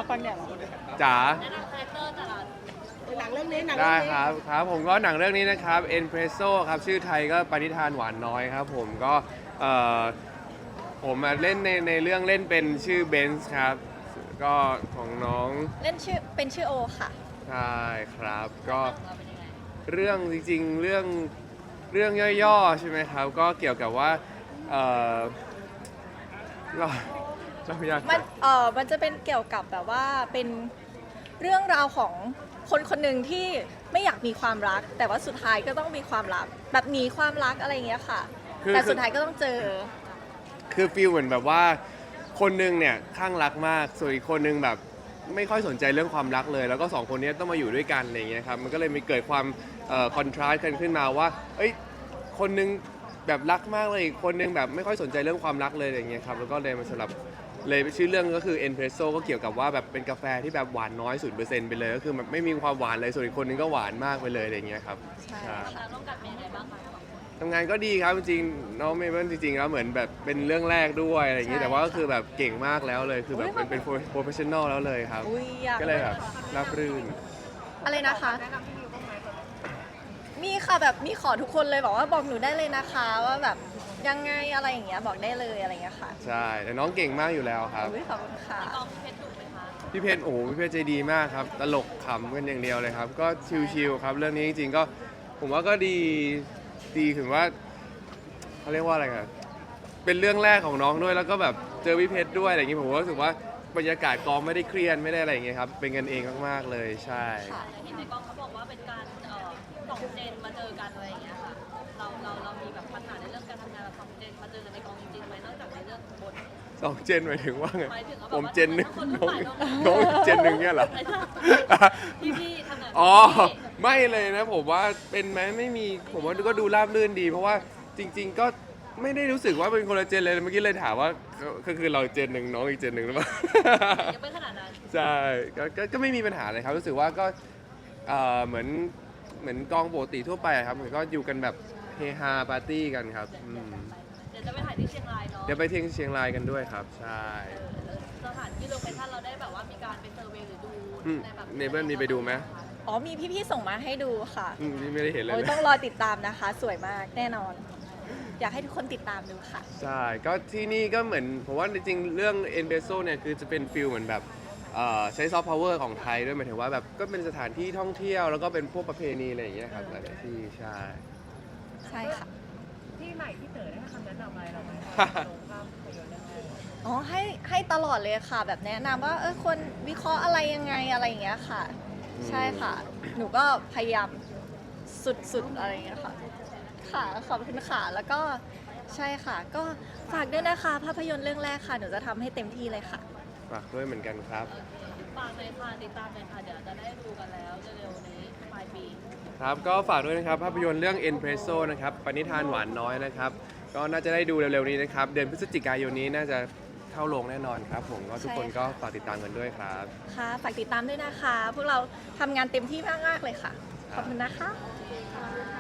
ฟังเนี่ยเหรอจ๋าแนะนำคาแรคเตอร์แต่ละหนังเรื่องนี้หนังได้เรื่องนี้ครับผมก็หนังเรื่องนี้นะครับ Espresso ครับชื่อไทยก็ปณิธานหวานน้อยครับผมก็เอ่อผมเล่นในเรื่องเล่นเป็นชื่อเบนซ์ครับก็ของน้องเล่นชื่อเป็นชื่อโอค่ะใช่ครับก็เราเป็นยังไงเรื่องจริงๆเรื่องย่อๆใช่ไหมครับก็เกี่ยวกับว่าเอ่อเราอยากมันจะเป็นเกี่ยวกับแบบว่าเป็นเรื่องราวของคนคนหนึ่งที่ไม่อยากมีความรัก แต่ว่าสุดท้ายก็ต้องมีความรักแบบหนีความรักอะไรอย่างเงี้ยค่ะ แต่สุดท้ายก็ต้องเจอคือฟีลเหมือนแบบว่าคนหนึงเนี่ยข้างรักมากส่วนอีกคนหนึงแบบไม่ค่อยสนใจเรื่องความรักเลย แล้วก็สองคนนี้ต้องมาอยู่ด้วยกันอะไรอย่างเงี้ยครับมันก็เลยมีเกิดความคอนทราสต์กันขึ้นมาว่าเอ้ยคนหนึงแบบรักมากเลยอีกคนหนึงแบบไม่ค่อยสนใจเรื่องความรักเลยอะไรอย่างเงี้ยครับแล้วก็เลยมาสลับเลยชื่อเรื่องก็คือ Espresso ก็เกี่ยวกับว่าแบบเป็นกาแฟที่แบบหวานน้อย 0% ไปเลยก็คือแบบไม่มีความหวานเลยส่วนอีกคนหนึงก็หวานมากไปเลยอะไรอย่างเงี้ยครับใช่ใช่ทำงานร่วมกันเป็นยังไงบ้างคะสองคนทำงานก็ดีครับจริงๆน้องเมเปิลจริงๆแล้วเหมือนแบบเป็นเรื่องแรกด้วยอะไรอย่างงี้แต่ว่าก็คือแบบเก่งมากแล้วเลยคือแบบเป็นโปรเฟชชั่นอลแล้วเลยครับอุ้ยอยากก็เลยแบบราบรื่นอะไรนะคะมีค่ะแบบมีขอทุกคนเลยบอกว่าบอกหนูได้เลยนะคะว่าแบบยังไงอะไรอย่างเงี้ยบอกได้เลยอะไรอย่างเงี้ยค่ะใช่แต่น้องเก่งมากอยู่แล้วครับอุ้ยขอบคุณค่ะกองเพชรดุไหมคะพี่เพชรโอ้โหพี่เพชรใจดีมากครับตลกขำกันอย่างเดียวเลยครับก็ชิลๆครับเรื่องนี้จริงๆก็ผมว่าก็ดีถึงว่าเขาเรียกว่าอะไรกันเป็นเรื่องแรกของน้องด้วยแล้วก็แบบเจอพี่เพชรด้วยอะไรอย่างงี้ผมก็รู้สึกว่าบรรยากาศกองไม่ได้เครียดไม่ได้อะไรอย่างเงี้ยครับเป็นกันเองมากๆเลยใช่ค่ะแต่เห็นในกองเขาบอกว่าเป็นการสองเจนมาเจอกันอะไรอย่างเงี้ยค่ะเรามีแบบปัญหาในเรื่องการทำงานแบบสองเจนมาเจอกันในกองจริงๆไหมนอกจากในเรื่องบทสองเจนหมายถึงว่าไงหมายถึงว่าผมเจนหนึ่งคนรุ่น้องใหม่น้องเจนหนึ่งเนี่ยเหรอพี่ทำงานอ๋อไม่เลยนะผมว่าเป็นไหมไม่มีผมว่าก็ดูราบรื่นดี เพราะว่าจริง ๆ ก็ไม่ได้รู้สึกว่าเป็นคนละเจนเลยเมื่อกี้เลยถามว่าก็คือเราเจนหนึ่งน้องอีกเจนหนึ่งหรือเปล่ายังไม่ขนาดนั้นใช่ก็ไม่มีปัญหาเลยครับรู้สึกว่าก็เหมือนกองปกติทั่วไปอะครับเหมือนก็อยู่กันแบบเฮฮาปาร์ตี้กันครับเดี๋ยวจะไปถ่ายที่เชียงรายเนาะเดี๋ยวไปเที่ยวเชียงรายกันด้วยครับใช่สถานที่โลเคชั่นเราได้แบบว่ามีการไปเซอร์เวย์หรือดูอืมในแบบเนเบิลมีไปดูไหมอ๋อมีพี่ๆส่งมาให้ดูค่ะนี่ไม่ได้เห็นเลยโอ้ยนะต้องรอติดตามนะคะ สวยมากแน่นอน อยากให้ทุกคนติดตามดูค่ะใช่ ก็ที่นี่ก็เหมือนผมว่าจริงๆ เรื่องเอ็นเบโซเนี่ยคือจะเป็นฟิลเหมือนแบบใช้ซอฟต์พาวเวอร์ของไทยด้วยหมายถึงว่าแบบก็เป็นสถานที่ท่องเที่ยวแล้วก็เป็นพวกประเพณีอะไรอย่างเงี้ยครับหลายๆที่ใช่ใช่ค่ะที่ใหม่ที่เต๋อได้ให้คำแนะนำอะไรเราไหมลงภาพยนตร์เรื่องแรกอ๋อให้ตลอดเลยค่ะ แบบแนะนำว่าควรวิเคราะห์อะไรยังไงอะไรอย่างเงี้ยค่ะ ใช่ค่ะ หนูก็พยายามสุดๆอะไรอย่างเงี้ยค่ะ ค่ะขอบคุณค่ะแล้วก็ใช่ค่ะ ก็ฝากด้วยนะคะภาพยนตร์เรื่องแรกค่ะหนูจะทำให้เต็มที่เลยค่ะฝากด้วยเหมือนกันครับฝากเลยค่ะติดตามเลยค่ะเดี๋ยวจะได้ดูกันแล้วเร็วๆนี้ปลายปีครับก็ฝากด้วยนะครับภาพยนตร์เรื่อง Espresso นะครับปณิธานหวานน้อยนะครับก็น่าจะได้ดูเร็วๆนี้นะครับเดือนพฤศจิกายนนี้น่าจะเข้าโรงแน่นอนครับผมก็ทุกคนใช่ค่ะก็ฝากติดตามกันด้วยครับค่ะฝากติดตามด้วยนะคะ พวกเราทำงานเต็มที่มากๆเลยค่ะ ขอบคุณนะคะ